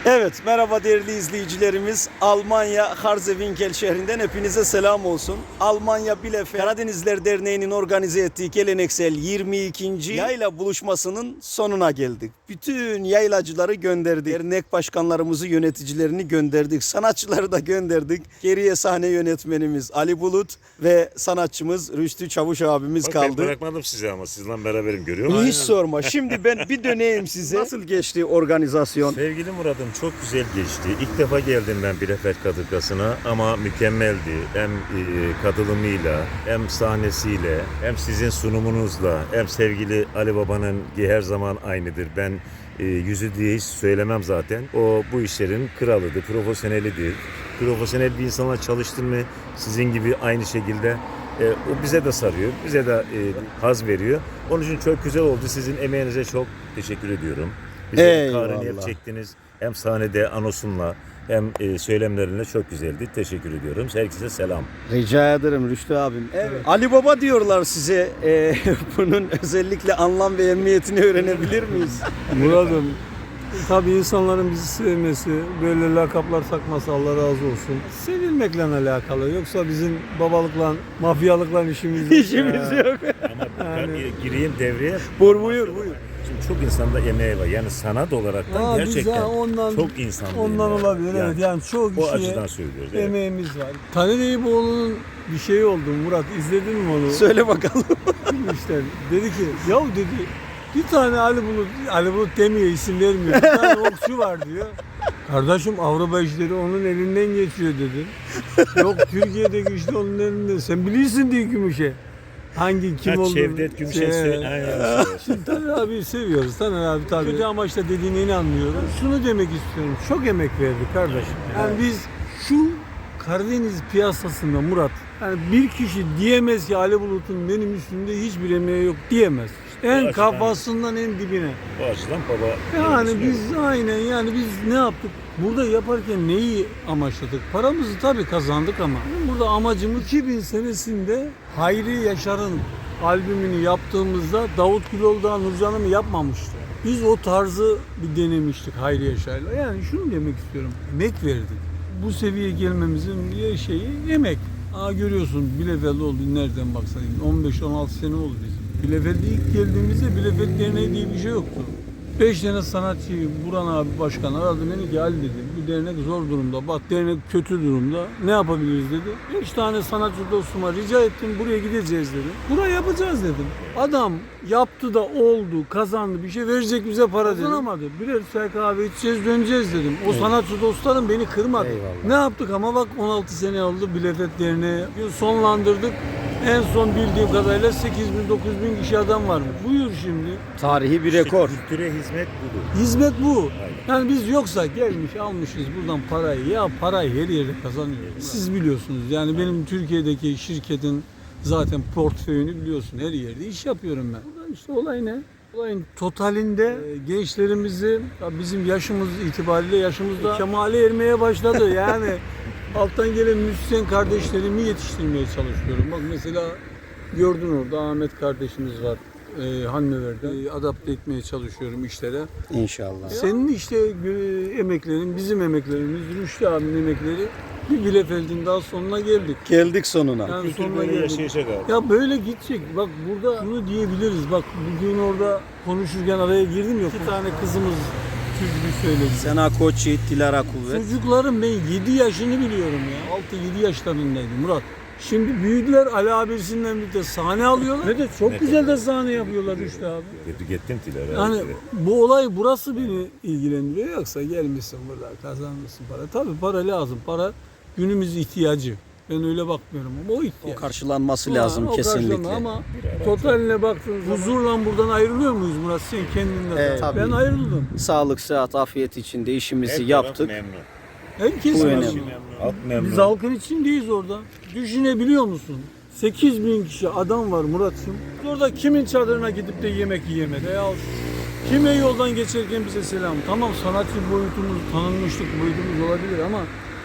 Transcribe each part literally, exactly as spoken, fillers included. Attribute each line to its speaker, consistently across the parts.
Speaker 1: Evet, merhaba değerli izleyicilerimiz. Almanya Harzewinkel şehrinden hepinize selam olsun. Almanya Bielefeld Karadenizler Derneği'nin organize ettiği geleneksel yirmi ikinci yayla buluşmasının sonuna geldik. Bütün yaylacıları gönderdik. Dernek başkanlarımızı, yöneticilerini gönderdik. Sanatçıları da gönderdik. Geriye sahne yönetmenimiz Ali Bulut ve sanatçımız Rüştü Çavuş abimiz
Speaker 2: Bak,
Speaker 1: kaldı.
Speaker 2: Ben bırakmadım sizi ama sizinle beraberim, görüyor musun?
Speaker 1: Hiç sorma. Şimdi ben bir döneyim size. Nasıl geçti organizasyon?
Speaker 2: Sevgili Murat'ım, çok güzel geçti. İlk defa geldim ben Bielefeld Kadırgası'na ama mükemmeldi. Hem e, katılımıyla, hem sahnesiyle, hem sizin sunumunuzla, hem sevgili Ali Baba'nın ki her zaman aynıdır. Ben e, yüzü diye hiç söylemem zaten. O bu işlerin kralıdır, profesyonelidir. Profesyonel bir insanla çalıştın mı sizin gibi aynı şekilde e, o bize de sarıyor, bize de e, haz veriyor. Onun için çok güzel oldu. Sizin emeğinize çok teşekkür ediyorum. Bize kahrını hep çektiniz. Hem sahnede anosunla hem e, söylemlerinle çok güzeldi. Teşekkür ediyorum. Herkese selam.
Speaker 1: Rica ederim Rüştü abim. Evet. Ali Baba diyorlar size. Ee, bunun özellikle anlam ve emniyetini öğrenebilir miyiz?
Speaker 3: Murat'ım, tabii insanların bizi sevmesi, böyle lakaplar takması Allah razı olsun. Sevilmekle alakalı. Yoksa bizim babalıkla, mafyalıkla işimiz yok.
Speaker 1: İşimiz
Speaker 3: Ya.
Speaker 1: yok.
Speaker 2: Ama
Speaker 3: Yani-
Speaker 2: ben gireyim devreye.
Speaker 1: Buyur buyur buyur.
Speaker 2: Şimdi çok insanda emeği var. Yani sanat olaraktan
Speaker 3: Aa, biz
Speaker 2: gerçekten
Speaker 3: ya ondan,
Speaker 2: çok insanda
Speaker 3: ondan
Speaker 2: emeği var.
Speaker 3: olabilir. Evet, yani çok
Speaker 2: o
Speaker 3: kişiye
Speaker 2: açıdan söylüyoruz. Evet.
Speaker 3: emeğimiz var. Taner Eyüboğlu'nun bir şeyi oldu Murat. İzledin mi onu?
Speaker 1: Söyle bakalım.
Speaker 3: İşte dedi ki, yahu dedi, bir tane Ali Bulut, Ali Bulut demiyor, isim vermiyor. Bir tane okçu var diyor. Kardeşim, Avrupa işleri onun elinden geçiyor dedi. Yok, Türkiye'deki işte onun elinden. Sen bilirsin diye Gümüş'e. Hangi kim
Speaker 2: Ha,
Speaker 3: olduğunu.
Speaker 2: Şevdet Gümüş'e
Speaker 3: Şey,
Speaker 2: söyle. Aynen.
Speaker 3: Şimdi Taner abi seviyoruz. Taner abi tabii. Kötü amaçla dediğine inanmıyorum. Şunu demek istiyorum. Çok emek verdik kardeşim. Yani biz şu Karadeniz piyasasında Murat, yani bir kişi diyemez ki Ali Bulut'un benim üstümde hiçbir emeği yok diyemez. En
Speaker 2: açıdan-
Speaker 3: kafasından en dibine.
Speaker 2: O açıdan baba.
Speaker 3: Yani
Speaker 2: kendisi
Speaker 3: biz aynen yani biz ne yaptık? Burada yaparken neyi amaçladık? Paramızı tabii kazandık ama burada amacımız iki bin senesinde Hayri Yaşar'ın albümünü yaptığımızda Davut Güloğlu'dan Nurcan'ı yapmamıştı. Biz o tarzı bir denemiştik Hayri Yaşar'la. Yani şunu demek istiyorum. Emek verdik. Bu seviyeye gelmemizin bir şeyi emek. Aa, görüyorsun Bielefeld oldu, nereden baksan on beş on altı sene oldu bizim. Bielefeld'e ilk geldiğimizde Bielefeld Derneği diye bir şey yoktu. Beş tane sanatçıyı Buran abi başkan aradı, dedi ki Ali dedi, bu dernek zor durumda, bak dernek kötü durumda, ne yapabiliriz dedi. Beş tane sanatçı dostuma rica ettim, buraya gideceğiz dedim. Buraya yapacağız dedim. Adam yaptı da oldu, kazandı, bir şey verecek bize para dedi. Kazanamadı. Birer çay kahve içeceğiz, döneceğiz dedim. O sanatçı dostlarım beni kırmadı.
Speaker 1: Eyvallah.
Speaker 3: Ne yaptık ama bak on altı sene oldu Bielefeld Derneği. sonlandırdık. En son bildiğim kadarıyla sekiz bin dokuz bin kişi adam varmış. Buyur şimdi.
Speaker 1: Tarihi bir
Speaker 2: İşte
Speaker 1: rekor.
Speaker 2: Kültüre hizmet budur.
Speaker 3: Hizmet bu.
Speaker 2: Aynen.
Speaker 3: Yani biz yoksa gelmiş almışız buradan parayı. Ya parayı her yerde kazanıyoruz. Siz biliyorsunuz yani benim Türkiye'deki şirketin zaten portföyünü biliyorsun. Her yerde iş yapıyorum ben. Burada işte olay ne? Olayın totalinde e, gençlerimizi ya bizim yaşımız itibariyle yaşımızda kemale ermeye başladı. Yani alttan gelen müzisyen kardeşlerimi yetiştirmeye çalışıyorum. Bak mesela gördün orada Ahmet kardeşimiz var. E, Hanmever'de. E, adapte etmeye çalışıyorum işlere.
Speaker 1: İnşallah.
Speaker 3: Senin işte e, emeklerin, bizim emeklerimiz, Rüştü abinin emekleri bir Bielefeld'in daha sonuna geldik.
Speaker 1: Geldik sonuna.
Speaker 3: Yani
Speaker 2: Kültür
Speaker 3: sonuna
Speaker 2: böyle
Speaker 3: geldik.
Speaker 2: yaşayacak abi.
Speaker 3: Ya böyle gidecek. Bak burada şunu diyebiliriz. Bak bugün orada konuşurken araya girdim ya. İki tane kızımız türkü söyledi.
Speaker 1: Sena Koçyiğit, Dilara Kuvvet.
Speaker 3: Çocukların ben yedi yaşını biliyorum ya. altı yedi yaşlarındaydı Murat. Şimdi büyüdüler, Ali abisinden birlikte sahne alıyorlar. Ve de çok
Speaker 2: Ne
Speaker 3: güzel
Speaker 2: kadar-
Speaker 3: de sahne yapıyorlar işte abi.
Speaker 2: Gittim, gittim Tilara.
Speaker 3: Yani
Speaker 2: Evet.
Speaker 3: bu olay burası beni ilgilendiriyor. Yoksa gelmişsin burada kazanmışsın para. Tabii para lazım. Para günümüz ihtiyacı. Ben öyle bakmıyorum ama o ihtiyaç.
Speaker 1: O karşılanması
Speaker 3: Ha,
Speaker 1: lazım
Speaker 3: o
Speaker 1: kesinlikle.
Speaker 3: karşılama ama totaline baktığın zaman huzurla buradan ayrılıyor muyuz Murat? Sen kendinden.
Speaker 1: Evet, tabii.
Speaker 3: Ben ayrıldım.
Speaker 1: Sağlık, sıhhat, afiyet içinde işimizi
Speaker 2: Her taraf
Speaker 1: yaptık.
Speaker 2: memnun.
Speaker 3: Herkes
Speaker 1: Bu
Speaker 3: memnun.
Speaker 1: önemli.
Speaker 2: Halk memnun.
Speaker 3: Biz halkın içindeyiz orada. Düşünebiliyor musun? sekiz bin kişi adam var Murat'cığım. Orada kimin çadırına gidip de yemek yiyemedi? Ya kime yoldan geçerken bize selam. Tamam sanatçı boyutumuz, tanınmışlık boyutumuz olabilir ama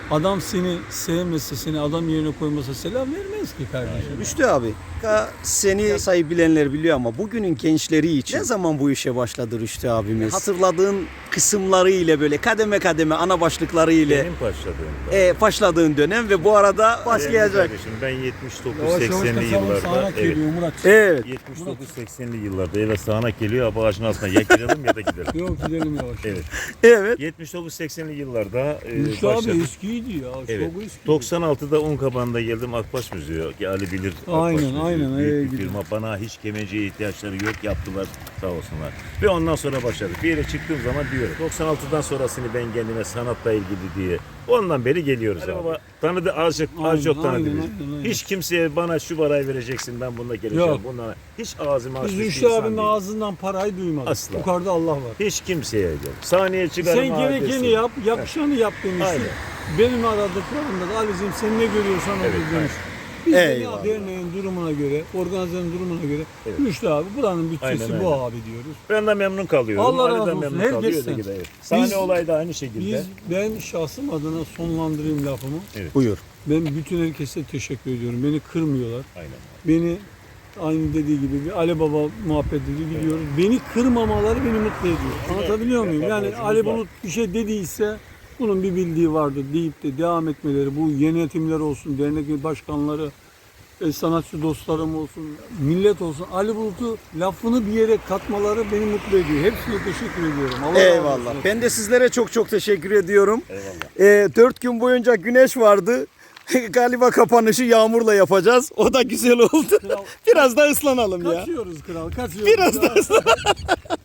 Speaker 3: Adam seni sevmese, seni adam yerine koymasa selam vermez ki kardeşim.
Speaker 1: Rüştü abi, ka- seni sayı bilenler biliyor ama bugünün gençleri için ne zaman bu işe başladı Rüştü abimiz? Hatırladığın kısımları ile böyle kademe kademe ana başlıkları ile
Speaker 2: Benim başladığımda.
Speaker 1: e, başladığın dönem ve bu arada
Speaker 2: Değerli
Speaker 1: başlayacak.
Speaker 2: kardeşim, ben yetmiş dokuz seksenli yıllarda evet,
Speaker 3: Murat.
Speaker 1: Evet.
Speaker 2: yetmiş dokuz seksenli yıllarda eve sağanak geliyor, abi ağacın altına ya girelim ya da gidelim.
Speaker 3: Yok gidelim yavaş.
Speaker 2: Evet.
Speaker 1: Evet.
Speaker 2: yetmiş dokuz seksenli yıllarda e,
Speaker 3: Rüştü abi
Speaker 2: başladık.
Speaker 3: eskiydi ya.
Speaker 2: Evet.
Speaker 3: Çok eski.
Speaker 2: doksan altıda Unkapan'da geldim Akbaş Müziği. ki Ali bilir. Akbaş
Speaker 3: Aynen,
Speaker 2: Müziği.
Speaker 3: aynen,
Speaker 2: Büyük
Speaker 3: evet,
Speaker 2: bir
Speaker 3: gidiyor.
Speaker 2: firma. Bana hiç kemenciye ihtiyaçları yok, yaptılar sağ olsunlar. Ve ondan sonra başladık. Bir yere çıktığım zaman diyorum. doksan altıdan sonrasını ben kendime sanatla ilgili diye. Ondan beri geliyoruz abi. Baba tanıdı azıcık, az
Speaker 3: Aynen,
Speaker 2: çok tanıdı
Speaker 3: aynen,
Speaker 2: bizi.
Speaker 3: aynen, aynen.
Speaker 2: Hiç kimseye bana şu parayı vereceksin, ben bununla geleceğim.
Speaker 3: Yok.
Speaker 2: Bundan hiç ağzımı açmış
Speaker 3: Biz
Speaker 2: bir
Speaker 3: Rüştü
Speaker 2: insan
Speaker 3: abinin
Speaker 2: değilim.
Speaker 3: ağzından parayı duymadık.
Speaker 2: Asla.
Speaker 3: Yukarıda Allah var.
Speaker 2: Hiç kimseye yok. Sahneye çıkarım.
Speaker 3: Sen gerekeni yap, yakışanı yap demişsin.
Speaker 2: Aynen.
Speaker 3: Benim aradıklarımda da Ali'cim sen ne görüyorsan onu
Speaker 2: Evet,
Speaker 3: demiş. Biz de
Speaker 1: Eyvallah.
Speaker 3: ya derneğin durumuna göre, organizenin durumuna göre
Speaker 2: Evet.
Speaker 3: Rüştü abi buranın bütçesi
Speaker 2: Aynen
Speaker 3: bu
Speaker 2: öyle.
Speaker 3: abi diyoruz.
Speaker 2: Ben de memnun kalıyorum.
Speaker 3: Allah
Speaker 2: Ali
Speaker 3: razı
Speaker 2: de
Speaker 3: olsun.
Speaker 2: memnun
Speaker 3: Herkes
Speaker 2: kalıyor.
Speaker 3: sen.
Speaker 2: öteki de evet. Sahne
Speaker 3: Biz-
Speaker 2: olayı da aynı şekilde.
Speaker 3: Biz, ben şahsım adına sonlandırayım lafımı.
Speaker 1: Buyur.
Speaker 3: Ben bütün herkese teşekkür ediyorum. Beni kırmıyorlar.
Speaker 2: Aynen.
Speaker 3: Beni aynı dediği gibi bir Ali Baba muhabbeti gidiyoruz. Beni kırmamaları beni mutlu ediyor. Anlatabiliyor muyum?
Speaker 2: Yapar
Speaker 3: Yani
Speaker 2: borcumuz
Speaker 3: Ali
Speaker 2: var.
Speaker 3: Bulut bir şey dediyse bunun bir bildiği vardır deyip de devam etmeleri, bu yönetimler olsun, dernek başkanları, e, sanatçı dostlarım olsun, millet olsun, Ali Bulut'u lafını bir yere katmaları beni mutlu ediyor. Hepsine teşekkür ediyorum. Allah razı
Speaker 1: Eyvallah.
Speaker 3: olsun.
Speaker 1: Ben de sizlere çok çok teşekkür ediyorum.
Speaker 2: Eyvallah.
Speaker 1: Ee, dört gün boyunca güneş vardı. Galiba kapanışı yağmurla yapacağız. O da güzel oldu.
Speaker 3: Kral-
Speaker 1: Biraz da ıslanalım ya.
Speaker 3: Kaçıyoruz kral, kaçıyoruz.
Speaker 1: Biraz da ıslanalım.